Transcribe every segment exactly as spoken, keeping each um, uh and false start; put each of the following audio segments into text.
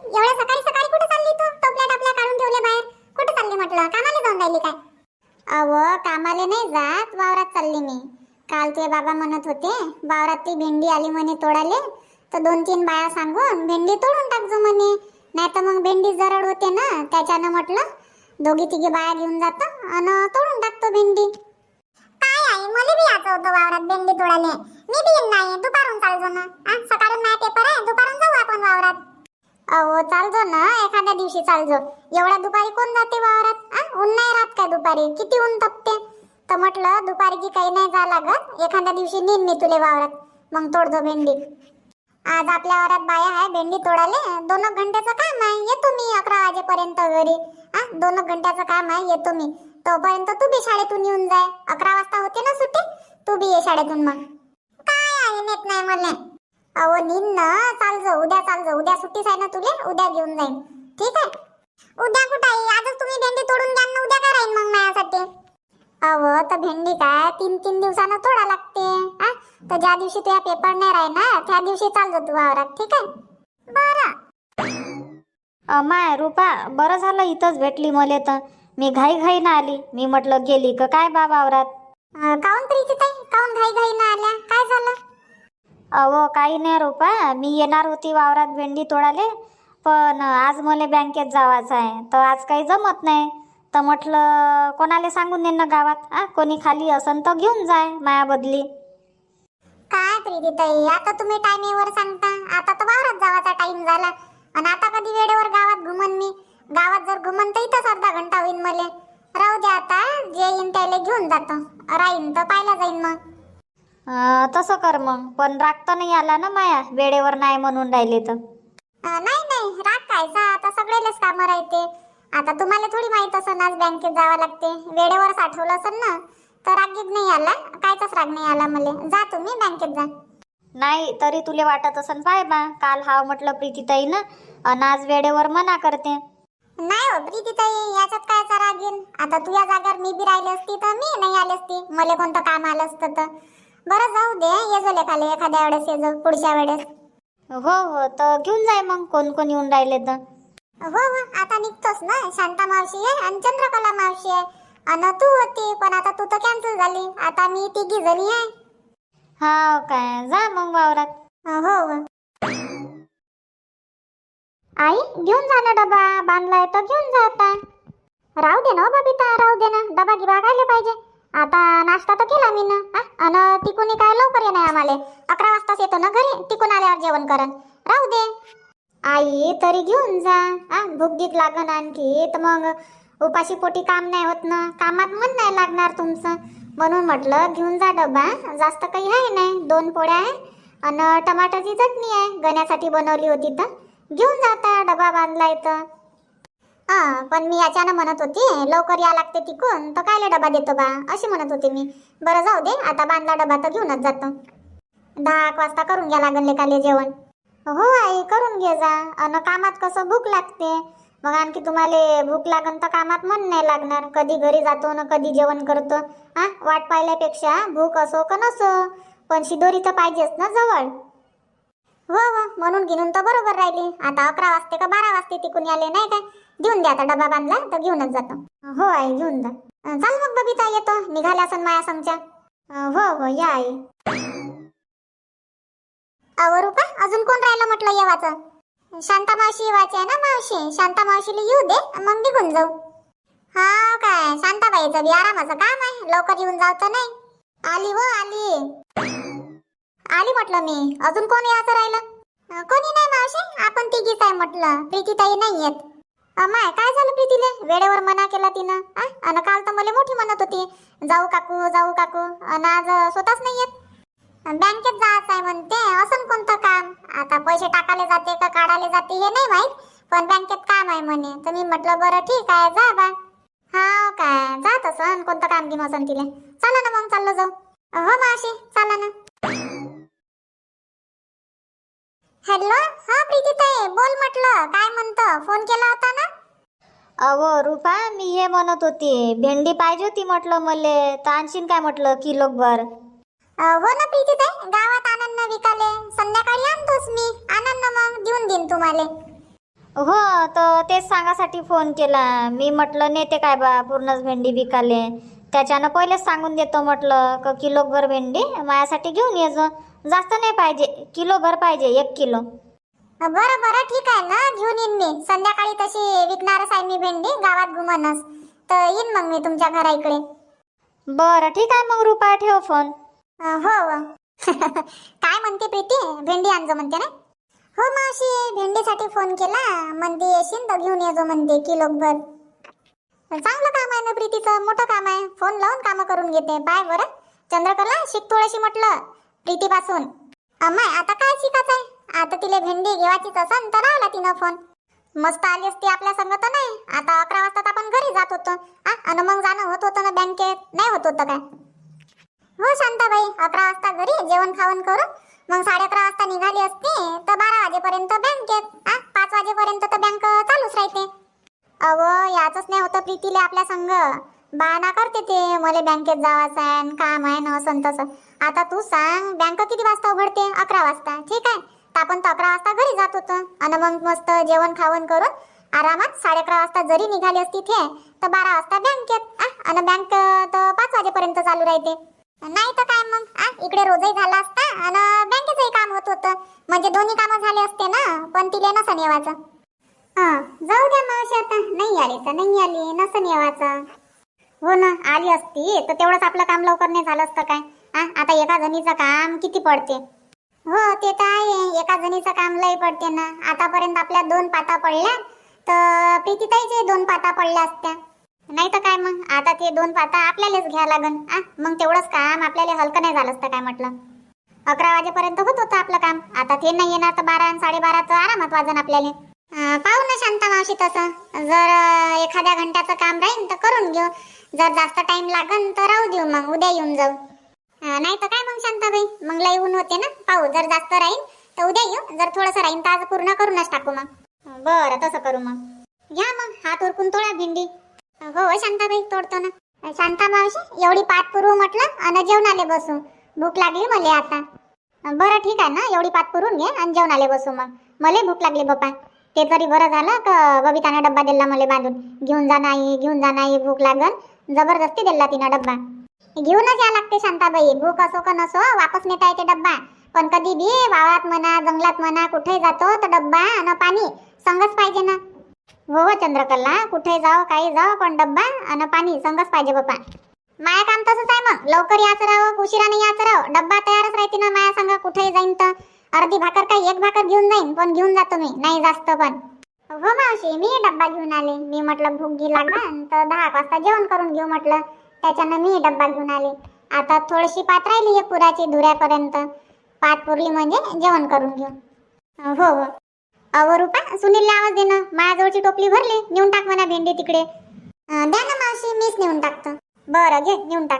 एवढ्या सकाळी सकाळी कुठे चालली तू? टोपल्या टापल्या काढून ठेवले बाहेर. कुठे चालली म्हटलं? कामाला जाऊन राहिली काय? अव कामाले नाही जात, वावरात चालली मी. काल तुझे बाबा म्हणत होते वावरात ती भेंडी आली म्हणे तोडाले, तर दोन तीन बाया सांगून भेंडी तोडून टाकजो म्हणे, नाही तर मग भेंडी जरड होते ना, त्याच्यानं म्हटलं दोघी तिघी बाया घेऊन जातो आणि तोडून टाकतो भेंडी. काय आहे, मला बी यायचं होतं वावरात भेंडी तोडाले. मी बी येईन, नाही दुपारून चालतो ना. सकाळून माझा पेपर आहे, दुपारून जाऊ आपण वावरात. अहो चालतो ना, एखाद्या दिवशी चालतो. एवढ्या दुपारी कोण जाते वावरात? ऊन नाही राहत काय दुपारी? किती ऊन तपते. तर म्हटलं दुपारी की काही नाही जा लागत, एखाद्या दिवशी नेईन मी तुले वावरात, मग तोडतो भेंडी. आज आपल्या वावरात बाया आहे भेंडी तोडाले. दोन एक घंट्याचं काम आहे, येतो मी अकरा वाजेपर्यंत घरी. हा दोन एक घंट्याचं काम आहे, येतो मी. तोपर्यंत तू बी शाळेतून येऊन जाय. अकरा वाजता होते ना सुट्टी, तू बी ये शाळेतून. मग काय आहे, नेत नाही मला. अहो नीन ना, चाल जाऊ, उद्या चाल जाऊ. उद्या सुट्टीच आहे ना तुले, उद्या घेऊन जाईन. ठीक आहे? उद्या कुठं आहे? आजच तुम्ही भेंडी तोडून घ्या ना, उद्या काय राहीन मग माझ्यासाठी? अहो तर भेंडी काय तीन तीन दिवसानं तोडा लागते. हा तर ज्या दिवशी तुझ्या पेपर नाही राहणार त्या दिवशी चाल जा तू वावरात. ठीक आहे? बरं. माय रूपा, बरं झालं इथंच भेटली मले. तर मी घाई घाई ना आली. मी म्हटलं गेली का काय बा वावरात. काऊन प्रीती ताई, काऊन घाई घाई ना आल्या? काय झालं? अहो काही नाही रूपा, मी येणार होती वावरात भेंडी तोडाले, पण आज मला बँकेत जावायचं आहे, तर आज काही जमत नाही. तर म्हटलं कोणाला सांगून दे ना गावात, आ कोणी खाली असन तर घेऊन जाय माया बदली. काय प्रीती ताई, आता तुम्ही टाइमेवर सांगता. आता तर वावरात जावाचा टाइम झाला, आणि आता कधी वेळेवर गावात घुमन मी? गावात जर घुमन तर इथंच अर्धा घंटा होईल मला. राहू द्या, आता जे येईन त्याला घेऊन जातो. राहीन तर पाहिला जाईन मग. तसं कर मग, पण राग तर नाही आला ना माया वेळेवर नाही म्हणून राहिले तर? नाही नाही, राग कायचा, आता सगळेलेच कामं राहते. आता तुम्हाला थोडी माहित असन आज बँकेत जावं लागते. वेळेवर साठवलं असन ना, तर रागीत नाही आला, कायचाच राग नाही आला मला. जा तुम्ही बँकेत जा. नाही तरी तुले वाटत असन पाय बा, काल हाव म्हटलं प्रीतीताई ना, अन आज वेळेवर मना करते. नाही हो प्रीतीताई, याच्यात कायचा राग येईन? आता तुझ्या जागेवर मी बी राहिली असती तर मी नाही आली असती, मला कोणतं काम आलं असतं तर. बरं जाऊ दे, ये जो लेखाले एखाद्या वेळेस, ये जो पुढच्या वेळेस. हो हो, तर घेऊन जाय मग, कोण कोण येऊन राहिले तर. हो हो, आता निघतोस ना. शांता मावशी आहे आणि चंद्रकला मावशी आहे, आणि तू होती, पण आता तू तर कॅन्सल झाली. आता मी तिघी जणी आहे. हा काय, जा मग वावरात. हो हो. आई घेऊन जा ना डबा, बांधलाय तर घेऊन जा. आता राहू दे ना बबिता, राहू दे ना. डबा गिबा खायला पाहिजे. आता नाश्ता तर केला मी ना, आणि तिकून काय लवकर येणार आम्हाला. अकरा वाजताच येतो ना घरी, तिकून आल्यावर जेवण करन. राहू दे आई, तरी घेऊन जा. हा भूक गीत लागन आणखी, तर मग उपाशी पोटी काम नाही होत ना, कामात मन नाही लागणार तुमचं. म्हणून म्हटलं घेऊन जा डबा. जास्त काही आहे नाही, दोन पोळ्या आहे आणि टमाटरची चटणी आहे, गण्यासाठी बनवली होती. तर घेऊन जाता, डबा बांधलाय तर. हा पण मी याच्यानं म्हणत होती लवकर या लागते तिकून, तर कायले डबा देतो बा, अशी म्हणत होते मी. बरं जाऊ दे, आता बांधला डबा तर घेऊनच जातो. दहा एक वाजता करून घ्या लागन लेकाले जेवण. हो आई, करून घे जा. अन कामात कसं भूक लागते, मग आणखी तुम्हाला भूक लागन तर कामात मन नाही लागणार. कधी घरी जातो ना कधी जेवण करतो. हा वाट पाहिल्यापेक्षा भूक असो का नसो, पण शिदोरी तर पाहिजेच ना जवळ. हो हो, म्हणून घेऊन तर बरोबर राहिली. आता अकरा वाजते का बारा वाजते तिकून याले, नाही काय? घेऊन द्या, आता डबा बांधला तर घेऊनच जातो. हो आई, घेऊन जा. चाल मग बबिता, येतो. निघाल्या असन माया संगच्या. हो हो, या आई. अहो रूपा, अजून कोण राहिलं म्हटलं येवाचं? शांता मावशी येवायची आहे ना मावशी. शांता मावशीला येऊ दे, मग निघून जाऊ. हा काय, शांताबाईचं बी आरामाचं काम आहे, लवकर येऊन जाऊ तर नाही. आली हो आली आली म्हटलं मी. अजून कोण यायचं राहिलं? कोणी नाही मावशी, आपण तिघीच आहे म्हटलं. प्रीतीताई नाही येत. अमाय, काय झालं प्रीतीले? वेळेवर मना केला तिनं. आणि काल तर मला मोठी म्हणत होती जाऊ काकू जाऊ काकू, आणि आज स्वतःच नाही येत. बँकेत जायचं आहे म्हणते. असं कोणतं काम? आता पैसे टाकायला जाते का काढायला जाते हे नाही माहित, पण बँकेत काम आहे म्हणे. तर मी म्हटलं बरं ठीक आहे, जा बा. हा काय, जात असन, कोणतं काम घेऊन असन तिला. चला ना मग, चाललो जाऊ. हो मावशी, चला ना. हॅलो, हा प्रीतीताई बोल म्हटलं. काय म्हणतं, फोन केला होता ना? अहो रूपा, मी हे म्हणत होती भेंडी पाहिजे होती म्हटलं मले, तर आणशीन काय म्हटलं किलोभर? हो ना प्रीतीताई, गावात आनंद विकाले. संध्याकाळी आणतोस मी. आनंद मग देऊन देईन तुम्हाला. हो, तर तेच सांगासाठी फोन केला मी. म्हटलं नेते काय बा पूर्णच भेंडी विकाले, त्याच्यानं पहिलेच सांगून देतो म्हटलं क किलोभर भेंडी माझ्यासाठी घेऊन ये जो. जास्त नाही पाहिजे, किलोभर पाहिजे, एक किलो. बरं बरं ठीक आहे ना, घेऊन येईन मी. संध्याकाळी तशी विकणारच आहे मी भेंडी, गावात घुमनच. तर येईन मग मी तुमच्या घरा इकडे. बरं ठीक आहे मग रुपा, ठेव फोन. अं, हो हो. काय म्हणते प्रीती, भेंडी आणजो म्हणते ना? हो मावशी, भेंडीसाठी फोन केला, म्हणते येशील तर घेऊन येजो म्हणते किलोभर. चांगलं काम आहे ना प्रीतीचं, मोठं काम आहे. फोन लावून कामं करून घेते. बाय बरं चंद्रकला, शिक थोडीशी म्हटलं प्रीतीपासून. अम्माय आता काय शिकायचं आहे? आता तिला भेंडी घेवायचीच असन तर लावला तिनं फोन. मस्त आली असती आपल्या संग तर नाही. आता अकरा वाजता आपण घरी जात होतो आणि मग जाणं होत होतं ना बँकेत, नाही होत होतं काय? हो शांताबाई, अकरा वाजता घरी जेवण खावण करून मग साडे अकरा वाजता निघाली असते तर बारा वाजेपर्यंत बँकेत. आ पाच वाजेपर्यंत तर बँक चालूच राहते. अव याचंच नाही होतं प्रीतीला आपल्या संग. बहाना करते ते, मला बँकेत जावाचं आहे, काम आहे ना असं तसं. आता तू सांग, बँक किती वाजता उघडते? अकरा वाजता. ठीक आहे, तर आपण तर अकरा वाजता घरी जात होतो आणि मग मस्त जेवण खावण करून आरामात साडे अकरा वाजता जरी निघाली असती ते तर बारा वाजता बँकेत. आणि बँक तर पाच वाजेपर्यंत चालू राहते. नाही तर काय मग, आ इकडे रोजही झाला असता आणि बँकेचंही काम होत होतं. म्हणजे दोन्ही कामं झाले असते ना. पण तिले नसन येवायचं. हा जाऊ द्या मावशी, आता नाही आली तर नाही आली, नसन येवायचं. हो ना, आली असती तर तेवढंच आपलं काम लवकर नाही झालं असतं काय? आ आता एका जणीचं काम किती पडते? हो ते तर आहे, एका जणीचं काम लय पडते ना. आतापर्यंत आपल्या दोन पाता पडल्या तर प्रीतीताईचे दोन पाता पडल्या असत्या. नाही तर काय मग, आता ते दोन पाता आपल्यालाच घ्या लागन. आ मग तेवढंच काम आपल्याला हलकं नाही झालं असतं काय म्हटलं? अकरा वाजेपर्यंत होत होतं आपलं काम. आता ते नाही येणार तर बारा आणि साडेबारा तर आरामात वाजन आपल्याला. पाहू ना शांता मावशी, तसं जर एखाद्या घंट्याचं काम राहील तर करून घेऊ. जर जास्त टाइम लागन तर राहू देऊ, मग उद्या येऊन जाऊ. नाही तर काय मग शांताबाई, मग लय ऊन होते ना. पाहू, जर जास्त राहील तर उद्या येऊ, जर थोडंसं राहील तर आज पूर्ण करूनच टाकू. मग बरं तसं करू. मग घ्या मग, हात उरकून तोडा भेंडी. हो शांताबाई, तोडतो ना. शांता मावशी, एवढी पात पुरवू म्हटलं आणि जेवणाले बसू. भूक लागली मला आता. बरं ठीक आहे ना, एवढी पात पुरून घे आणि जेवणाले बसू. मग मला भूक लागली बाप्पा. ते तरी बरं झालं का बबिताने डब्बा दिला मला बांधून. घेऊन जा नाही, घेऊन जा नाही, भूक लागन. जबरदस्ती दिला तिनं डब्बा. घेऊनच या लागते शांताबाई, भूक असो का नसो वापस नेता येते डब्बा. पण कधी बी वावरात म्हणा, जंगलात म्हणा, कुठेही जातो तर डब्बा आणि पाणी संगच पाहिजे ना. हो हो चंद्रकला, कुठे जाओ काही जाओ पण डब्बा आणि पाणी संगच पाहिजे बाप्पा. माया काम तसंच आहे, मग लवकर याचं राहो, उशिरा नाही याचं राहो, डब्बा तयारच राहते ना माया संग. कुठेही जाईन तर अर्धी भाकर काय एक भाकर घेऊन जाईन, पण घेऊन जातो मी, नाही जास्त पण. हो मावशी, मी डब्बा घेऊन आले. मी म्हटलं भूक गी लागन तर दहा वाजता जेवण करून घेऊ म्हटलं, त्याच्यानं मी डब्बा घेऊन आले. आता थोडीशी पात राहिली आहे पुराची, धुऱ्यापर्यंत पात पुरली म्हणजे जेवण करून घेऊ. हो हो. अव रुपा, सुनीलला आवाज दे ना, माझ्याजवळची टोपली भरली, नेऊन टाक म्हणा भेंडी तिकडे. द्या ना मावशी, मीच नेऊन टाकतो. बरं घे, नेऊन टाक.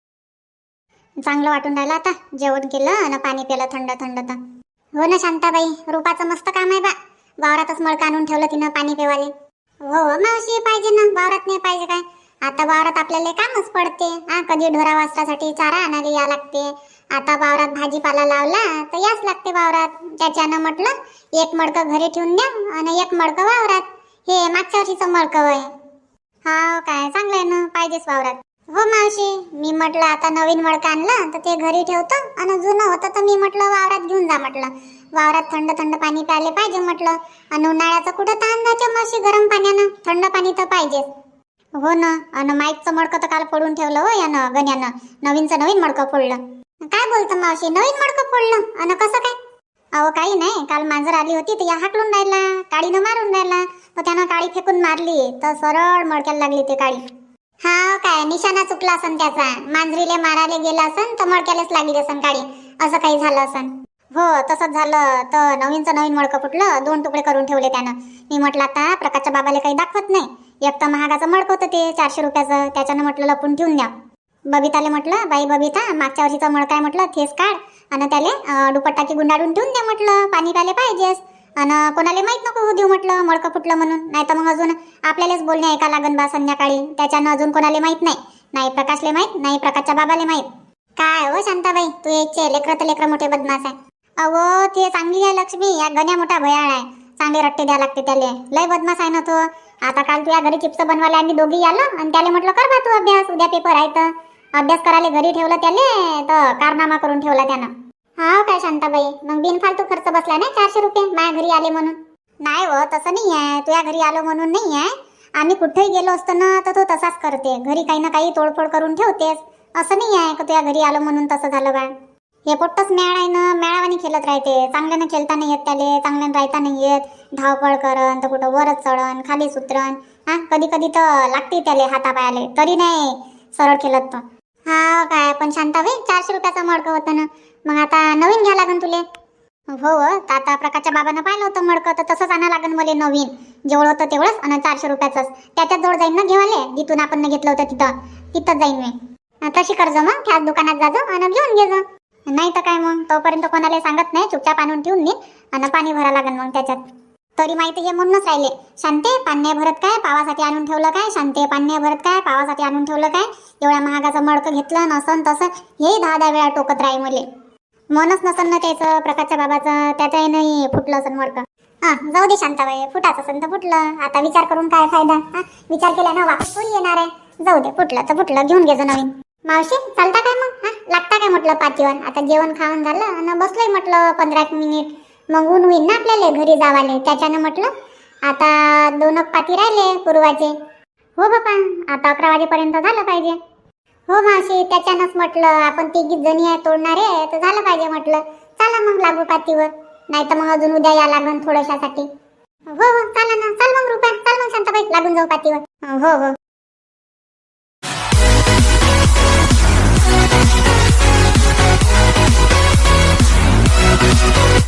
चांगलं वाटून राहिलं आता, जेवण केलं आणि पाणी पिलं थंड थंड. तर हो ना शांताबाई, रुपाचं मस्त काम आहे बा. वावरातच मळका आणून ठेवलं तिनं पाणी पिवाले. हो मावशी, पाहिजे ना, वावरात नाही पाहिजे काय? आता वावरात आपल्याला कामच पडते. हा कधी ढोरा वासरासाठी चारा आणायला या लागते. आता वावरात भाजीपाला लावला तर याच लागते वावरात. त्याच्यानं म्हटलं एक मडकं घरी ठेवून द्या आणि एक मडकं वावरात. हे मागच्या वर्षीचं मडकं आहे. हा काय चांगलं आहे ना, पाहिजेच वावरात. हो मावशी, मी म्हटलं आता नवीन मडकं आणलं तर ते घरी ठेवतो आणि जुनं होतं तर मी म्हटलं वावरात घेऊन जा म्हटलं. वावरात थंड थंड पाणी प्यायले पाहिजे म्हटलं. आणि उन्हाळ्याचं कुठं ताण जाते मावशी, गरम पाण्यानं थंड पाणी तर पाहिजेच. हो ना, आणि माईकचं मडकं तर काल फोडून ठेवलं हो यानं, गण्यानं. नवीनचं नवीन मडकं फोडलं. काय बोलतं मावशी, नवीन मडकं फोडलं? आणि कसं काय? अहो काही नाही, काल मांजर आली होती तर या हाकलून राहिला, काळीनं मारून राहिला. तर त्यानं काळी फेकून मारली तर सरळ मडक्याला लागली ते काळी. हा काय निशाणा चुकला असन त्याचा, मांजरीले मारायला गेला असन तर मडक्यालाच लागली असन काळी, असं काही झालं असन. हो तसंच झालं. तर नवीनचं नवीन मडकं फुटलं, दोन तुकडे करून ठेवले त्यानं. मी म्हटलं आता प्रकाशच्या बाबाला काही दाखवत नाही. एक तर महागाचं मडकं होतं ते चारशे रुपयाचं, त्याच्यानं म्हटलं लपून ठेवून द्या. बबिताले म्हटलं, बाई बबिता, मागच्या वर्षीचं मडकं आहे म्हटलं, थेस काढ आणि त्याला दुपट्टाकी गुंडाळून ठेवून द्या म्हटलं, पाणी प्यायला पाहिजेस. आणि कोणाला माहीत नको होऊ देऊ म्हटलं मडकं फुटलं म्हणून, नाही तर मग अजून आपल्यालाच बोलणे ऐका लागन बा संध्याकाळी. त्याच्यानं अजून कोणाला माहीत नाही, नाही प्रकाशले माहीत, नाही प्रकाशच्या बाबाले माहीत. काय हो शांताबाई, तू याचे लेकरं तर लेकरं मोठे बदमाश आहे. अहो ते चांगली आहे लक्ष्मी, या गण्या मोठा भयाळ आहे. चांगले रट्टे द्या लागते त्याले. लय बदमाश आहे ना तो. आता काल तुझ्या घरी चिप्स बनवायला आम्ही दोघी आलो आणि त्याला म्हटलं कर बा तू अभ्यास, उद्या पेपर आहे तर. अभ्यास करायला घरी ठेवलं त्याले तर कारनामा करून ठेवला त्यानं. हा काय शांताबाई, मग बिनफालतू खर्च बसला नाही चारशे रुपये माझ्या घरी आले म्हणून? नाही हो, तसं नाही आहे. तुझ्या घरी आलो म्हणून नाही आहे. आम्ही कुठेही गेलो असतो ना तर तो तसाच करते. घरी काही ना काही तोडफोड करून ठेवतेस. असं नाही आहे का तुझ्या घरी आलो म्हणून तसं झालं बा. हे पोट्टच मेळ आहे ना, मेळावानी खेळत राहते. चांगल्यानं खेळता नाही येत त्याले, चांगल्यानं राहता नाही येत. धावपळ करन तर कुठं वरच चढन खाली सुतरन. हा कधी कधी तर लागते त्याले हातापायाले, तरी नाही सरळ खेळत तो. हा काय पण शांताबाई, चारशे रुपयाचं मडकं होतं ना, मग आता नवीन घ्या लागन तुले. हो हो, आता प्रकाशच्या बाबानं पाहिलं होतं मडकं तर तसंच आणा लागन मला नवीन. जेवढं होतं तेवढंच आणि चारशे रुपयाचंच त्याच्यात जवळ जाईन ना घेवाले, जिथून आपण घेतलं होतं तिथं तिथंच जाईन मी. तशी कर्ज मग त्याच दुकानात जाजो आणि घेऊन घे जा. नाही तर काय मग, तोपर्यंत कोणाला सांगत नाही, चुपचाप आणून ठेवून दे आणि पाणी भरा लागन मग त्याच्यात. तरी माहिती हे म्हणूनच राहिले, शांते पाणी भरत काय पावासाठी आणून ठेवलं काय, शांते पाणी भरत काय पावासाठी आणून ठेवलं काय, एवढ्या महागाचं मडकं घेतलं नसन तसं हेही दहा दहा वेळा टोकत राही मले. मनच नसन ना त्याचं प्रकाशच्या बाबाचं, त्याच्याही नाही फुटलं असन मडकं. हा जाऊ दे शांताबाई, फुटाचं असेल तर फुटलं, आता विचार करून काय फायदा. हा विचार केल्यानं वापस थोडी येणार आहे. जाऊ दे, फुटलं तर फुटलं, घेऊन घे नवीन. मावशी चालता काय मग? हा लागता काय म्हटलं पाचीवर? आता जेवण खाऊन झालं आणि बसलोय म्हटलं पंधरा एक मिनिट, मग ऊन होईन ना आपल्याला घरी जावाले. त्याच्यानं म्हटलं आता दोन पाती राहिले पूर्वाचे. हो बापा, आता अकरा वाजेपर्यंत झालं पाहिजे. हो मावशी, त्याच्यानंच म्हटलं आपण तिघी जणी आहे तोडणारे तर झालं पाहिजे म्हटलं. चला मग लागू पातीवर, नाही तर मग अजून उद्या या लागन थोड्याशासाठी. हो हो चला ना, चल मग रुपा, चल मग शांताबाई लागून जाऊ पातीवर. हो हो.